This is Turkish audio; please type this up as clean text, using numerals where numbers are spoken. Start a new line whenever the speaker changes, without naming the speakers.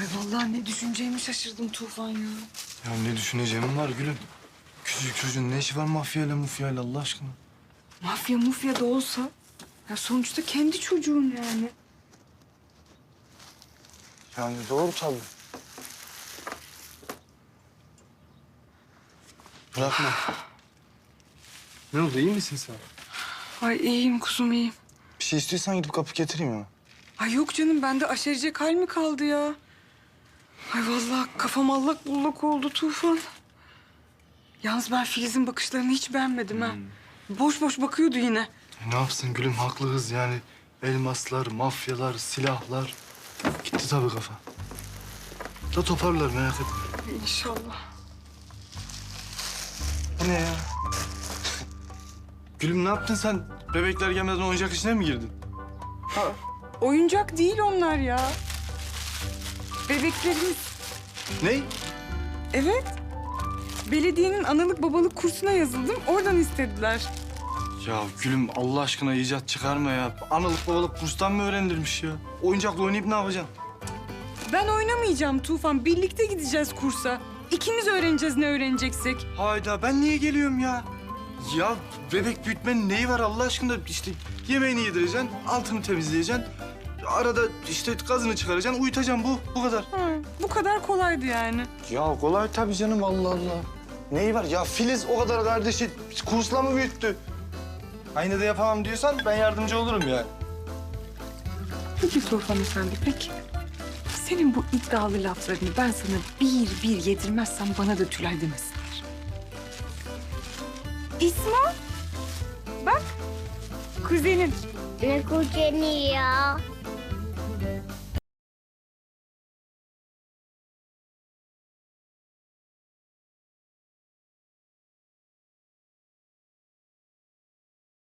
Ay vallahi ne düşüneceğimi şaşırdım Tufan ya.
Ya ne düşüneceğim var gülüm. Küçücük çocuğun ne işi var mafyayla mufyayla Allah aşkına?
Mafya mufya da olsa ya sonuçta kendi çocuğun yani.
Yani doğru tabii. Bırakma. Ne oldu iyi misin sen?
Ay iyiyim kuzum iyiyim.
Bir şey istiyorsan gidip kapı getireyim ya.
Ay yok canım bende aşerecek hal mi kaldı ya? Ay vallahi kafam allak bullak oldu Tufan. Yalnız ben Filiz'in bakışlarını hiç beğenmedim ha. Boş boş bakıyordu yine.
Ne yapsın gülüm haklı kız yani. Elmaslar, mafyalar, silahlar. Gitti tabii kafa. Da toparlar merak etme.
İnşallah.
Bu ne ya? Gülüm ne yaptın sen? Bebekler gelmeden oyuncak işine mi girdin?
Oyuncak değil onlar ya. Bebeklerimiz.
Ne?
Evet. Belediyenin analık babalık kursuna yazıldım. Oradan istediler.
Ya gülüm Allah aşkına icat çıkarma ya. Analık babalık kurstan mı öğrenilmiş ya? Oyuncakla oynayıp ne yapacaksın?
Ben oynamayacağım Tufan. Birlikte gideceğiz kursa. İkimiz öğreneceğiz ne öğreneceksek.
Hayda ben niye geliyorum ya? Ya bebek büyütmenin neyi var Allah aşkına? İşte yemeğini yedireceksin, altını temizleyeceksin. Arada işte gazını çıkaracaksın, uyutacaksın bu kadar.
Bu kadar kolaydı yani.
Ya kolay tabii canım Allah Allah. Neyi var? Ya Filiz o kadar kardeşi kursla mı büyüttü? Aynı da yapamam diyorsan ben yardımcı olurum ya.
Peki Tufan Efendi peki. Senin bu iddialı laflarını ben sana bir bir yedirmezsem bana da Tülay demesinler. İsmail. Bak. Kuzenin.
Ne kuzeni ya?